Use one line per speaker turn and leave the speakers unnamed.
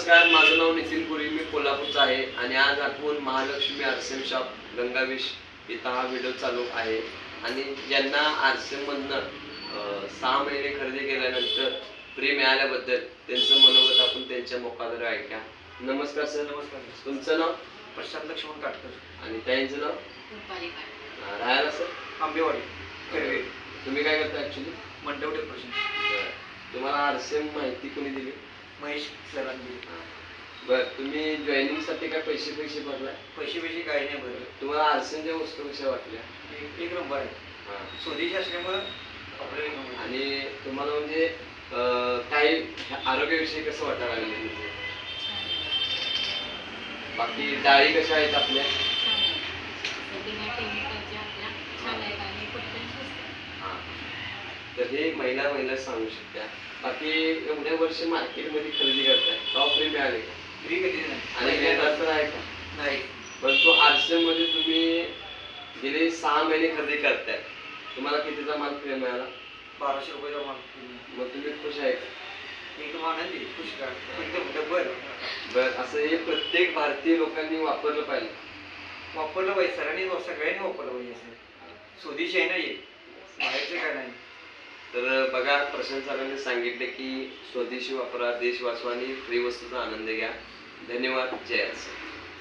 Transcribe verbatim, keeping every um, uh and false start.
नमस्कार, माझं नाव नितीन पुरी, मी कोल्हापूरचा आहे आणि आज आपण महालक्ष्मी आरसेम शॉप गंगावेश इथं हा व्हिडिओ चालू आहे. आणि ज्यांना आरसेममधनं अं, सहा महिने खरेदी केल्यानंतर फ्री मिळाल्याबद्दल त्यांचं मनोगत आपण त्यांच्या मुखाद्वारे ऐका. नमस्कार सर.
नमस्कार.
तुमचं नाव?
प्रशांत लक्ष्मण काटकर.
आणि ताईंचं नाव? अं, राहायला सर?
आंबेवाडी कर्वे.
तुम्ही काय करता ॲक्च्युली?
मंडप डेकोरेशन.
तुम्हाला आरसेम माहिती कोणी दिली?
महेश सरांनी.
बरं, तुम्ही जॉईनिंगसाठी काय पैसे पैसे भरलाय?
पैसे पैसे काही नाही भरले.
तुम्हाला आरसेमच्या वस्तू कशा वाटल्या?
एक एक नंबर आहे.
हां.
स्वदेशी असल्यामुळं आपल्याला एक नंबर.
आणि तुम्हाला म्हणजे अं, काही आरोग्याविषयी कसं वाटायला लागलं म्हणजे? बाकी डाळी कशा आहेत आपल्या? हां. तर हे महिला महिला सांगू शकत्या. बाकी एवढ्या वर्ष मार्केटमध्ये खरेदी करताय, टॉप फ्री मिळाले का?
फ्री कधी नाही.
आणि मिळणार तर आहे का?
नाही.
परंतु आरसेम मध्ये तुम्ही गेले सहा महिने खरेदी करताय, तुम्हाला कितीचा माल फ्री मिळाला?
बाराशे रुपयाचा माल.
मग तुम्ही खुश आहे का?
एकदम आनंदी खुश का एकदम डबल.
बरं, असं हे प्रत्येक भारतीय लोकांनी वापरलं पाहिजे.
वापरलं पाहिजे सरांनी, सगळ्यांनी वापरलं पाहिजे. असं स्वदेशी आहे नाही, बाहेरचं काय नाही.
तर बघा, प्रशांत सरांनी सांगितले की स्वदेशी वापरा, देश वाचवा आणि फ्री वस्तूचा आनंद घ्या. धन्यवाद. जय आरसेम.